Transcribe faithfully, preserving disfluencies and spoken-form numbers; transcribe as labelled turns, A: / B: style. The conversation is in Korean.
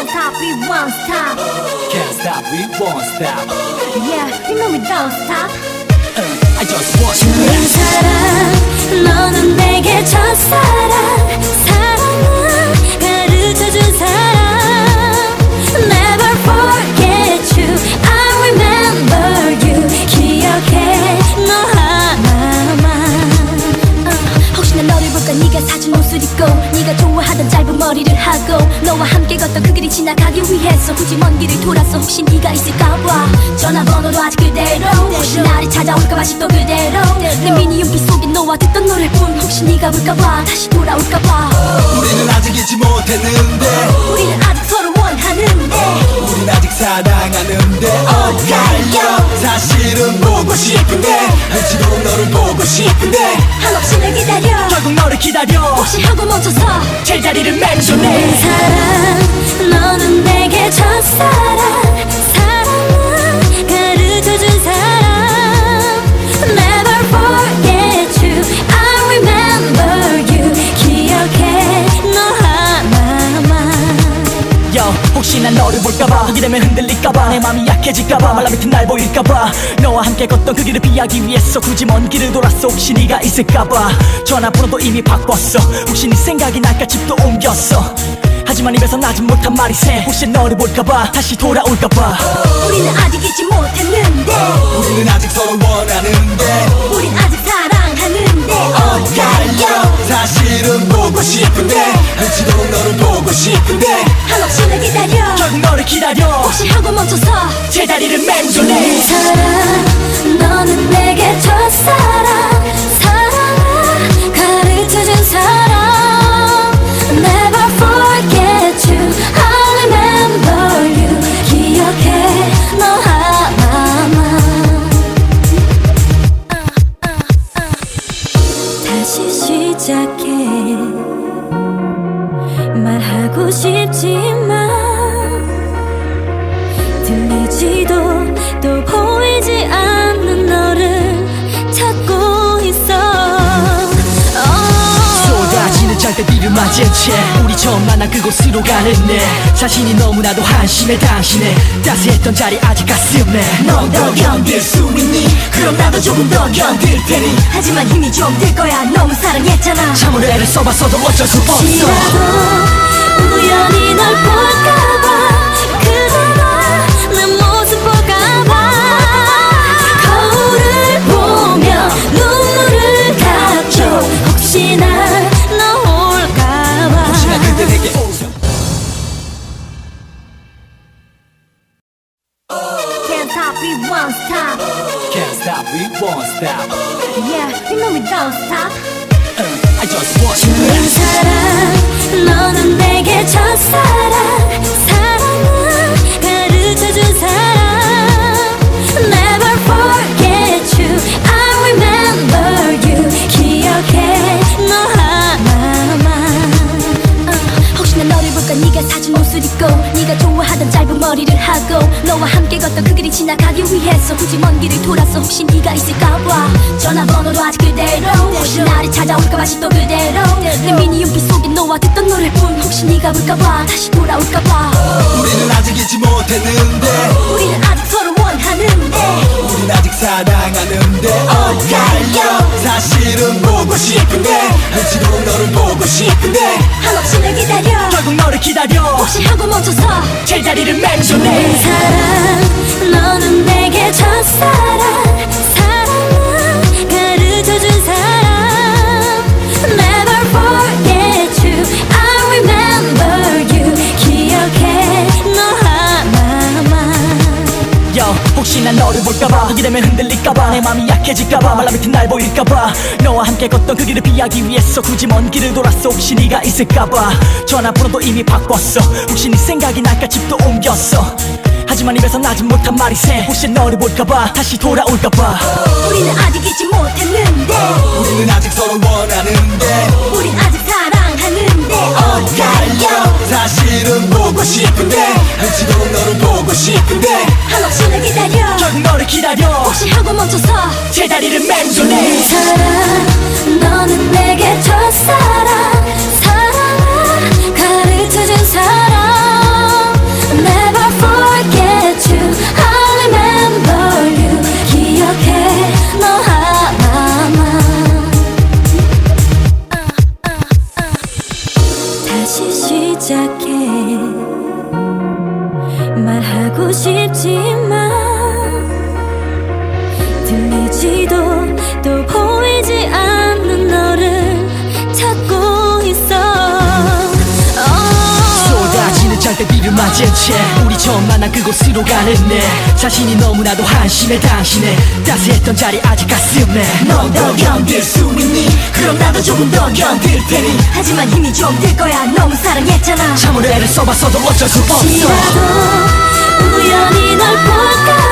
A: Can't stop, we won't stop.
B: Can't stop, we won't stop.
A: Yeah, you know we don't stop.
B: uh, I just want you
C: 좋은
B: back.
C: 사람 너는 내게 첫사랑 사랑은 가르쳐준 사람 Never forget you I remember you 기억해 너 하나만 uh, 혹시 난 너를 볼까 네가 사준 옷을 입고 네가 좋아하던 짧은 머리를 하고 너와 함께 걷던 그 길이 지나가기 위해서 굳이 먼 길을 돌아서 혹시 네가 있을까봐 전화번호도 아직 그대로 혹시 나를 찾아올까봐 아직도 그대로 내 미니 윤빛 속에 너와 듣던 노래뿐 혹시 네가 볼까봐 다시 돌아올까봐
B: 우리는 아직 잊지 못했는데
C: 우리는 아직 서로 원하는데
B: 우린 아직 사랑하는데 엇갈려 사실은 보고 싶은데 한치도록 너를 보고 싶은데
C: 한없이 날 기다려
B: 결국 너를 기다려
C: 혹시 하고 멈춰서
B: 제자리를
C: 내
B: 맹존해
C: 사랑 너는 내게 첫사랑 사랑은 가르쳐준 사람 Never forget you I remember you 기억해 너 하나만
B: Yo, 혹시 난 너를 볼까봐 보게 되면 흔들릴까봐 내 맘이 약해질까봐 말라붙은 날 보일까봐 너와 함께 걷던 그 길을 피하기 위해서 굳이 먼 길을 돌았어 혹시 네가 있을까봐 전화번호도 이미 바꿨어 혹시 네 생각이 날까 집도 옮겼어 하지만 입에서 나지 못한 말이 새 혹시 너를 볼까봐 다시 돌아올까봐
C: 우리는 아직 잊지 못했는데
B: 우리는 아직 서로 원하는데
C: 우린 아직 사랑하는데
B: 엇갈려 사실은 보고 싶은데 한치도록 너를 보고 싶은데
C: 한없이 날 기다려
B: 결국 너를 기다려
C: 혹시 하고 멈춰서
B: 제자리를
C: 내
B: 맹존해
C: 사랑 너는 내게 첫사랑 사랑을 가르쳐준 사람 Never forget you I remember you 기억해 너 하나만 다시 시작해 말하고 싶지만 들리지도 또 보이지 않는 너를 찾고 있어
B: 쏟아지는 장대비를 맞은 채 우리 처음 만난 그곳으로 가는 내 자신이 너무나도 한심해 당신의 따스했던 자리 아직 가슴에 넌 더 견딜 수 있니? 그럼 나도 조금 더 견딜 테니
C: 하지만 힘이 좀 들 거야 너무 사랑했잖아
B: 참으로 애를 써봤어도 어쩔 수 없어
C: 혹시라도 우연히 널 볼까봐 그대가 내 모습 볼까봐 거울을 보며 눈물을 감죠 혹시나 너 올까봐
B: 혹시나 그때 내게 오죠
A: Can't stop, we won't stop.
B: Can't stop, we won't stop.
A: Yeah, you know we don't stop.
B: uh, I just want you
C: 좋은
B: back.
C: 사랑 너는 내게 첫사랑 사랑은 가르쳐준 사람 Never forget you I remember you 기억해 너 하나만 uh, 혹시 난 너를 볼까 네가 사준 옷을 입고 네가 좋아하던 짧은 머리를 하고 너와 함께 걷던 그 길이 지나가기 위해서 굳이 먼 길을 돌아서 혹시 네가 있을까봐 전화번호도 아직 그대로 혹시 나를 찾아올까봐 아직도 그대로 내 미니 윤빛 속에 너와 듣던 노래뿐 혹시 네가 볼까봐 다시 돌아올까봐
B: 우리는 아직 잊지 못했는데
C: 우리는 아직 서로 원하는데
B: 우린 아직 사랑하는데 엇갈려 사실은 보고 싶은데 한치도록 너를 보고 싶은데
C: 한없이 날 기다려
B: 결국 너를 기다려
C: 혹시 하고 멈춰서
B: 제자리를
C: 내
B: 맹존해
C: 사랑 너는 내게 첫사랑 사랑은 가르쳐준 사람 Never forget you I remember you 기억해 너 하나만
B: Yo, 혹시 난 너를 볼까봐 보게 되면 흔들릴까봐 내 맘이 약해질까봐 말라붙은 날 보일까봐 너와 함께 걷던 그 길을 피하기 위해서 굳이 먼 길을 돌았어 혹시 네가 있을까봐 전화번호도 이미 바꿨어 혹시 네 생각이 날까 집도 옮겼어 하지만 입에서 나지 못한 말이 새 혹시 너를 볼까봐 다시 돌아올까봐
C: 우리는 아직 잊지 못했는데
B: 우리는 아직 서로 원하는데
C: 우린 아직 사랑하는데
B: 엇갈려 사실은 보고 싶은데 한치도록 너를 보고 싶은데
C: 한없이 날 기다려
B: 결국 너를 기다려
C: 혹시 하고 멈춰서
B: 제자리를
C: 내
B: 맹존해
C: 사랑 너는 내게 첫사랑 사랑을 가르쳐준 사람 시작해 말하고 싶지만 들리지도 또 보이지 않는 너를 찾고 있어
B: 쏟아지는 장대비를 맞은 채 우리 처음 만난 그곳으로 가는 내 자신이 너무나도 한심해 당신의 따스했던 자리 아직 가슴에 넌 더 견딜 수 있니? 그럼 나도 조금 더 견딜 테니
A: 하지만 힘이 좀 들 거야 너무 사랑했잖아
B: 참으로 애를 써봤어도 어쩔 수 없어
C: 혹시라도 우연히 널 볼까